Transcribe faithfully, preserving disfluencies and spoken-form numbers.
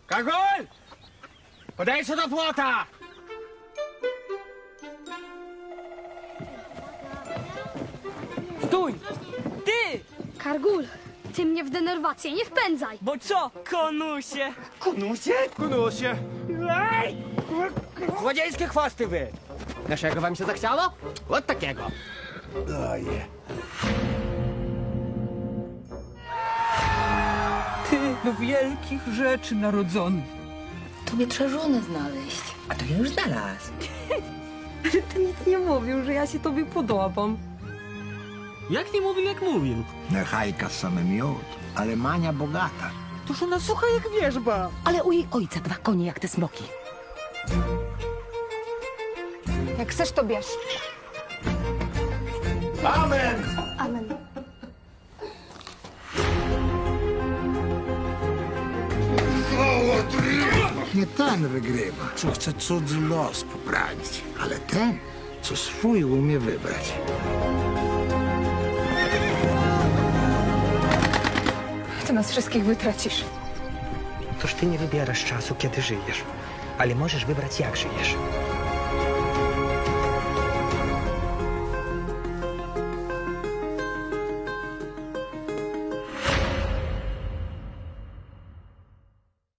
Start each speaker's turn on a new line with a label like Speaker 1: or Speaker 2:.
Speaker 1: Kargul! Podejdź do płota!
Speaker 2: Stój! Ty!
Speaker 3: Kargul, ty mnie w denerwację nie wpędzaj.
Speaker 2: Bo co, konusie?
Speaker 1: Kunusie? Kunusie! Ej! Złodziejskie chwosty wy! Naszego wam się zachciało? Od takiego. Daję.
Speaker 2: Ty do wielkich rzeczy narodzony.
Speaker 4: Tobie trzeba żonę znaleźć.
Speaker 5: A to ja już znalazł.
Speaker 2: Ty nic nie mówił, że ja się tobie podobam.
Speaker 1: Jak nie mówił, jak mówił?
Speaker 6: Nechajka same miód, ale Mania bogata.
Speaker 2: Toż ona sucha jak wierzba.
Speaker 5: Ale u jej ojca dwa konie jak te smoki.
Speaker 3: Jak chcesz, to bierz.
Speaker 1: Amen!
Speaker 3: Amen.
Speaker 6: Nie ten wygrywa, co chce cudzy los poprawić, ale ten, co swój umie wybrać.
Speaker 7: Ty nas wszystkich wytracisz.
Speaker 5: Toż ty nie wybierasz czasu, kiedy żyjesz, ale możesz wybrać, jak żyjesz.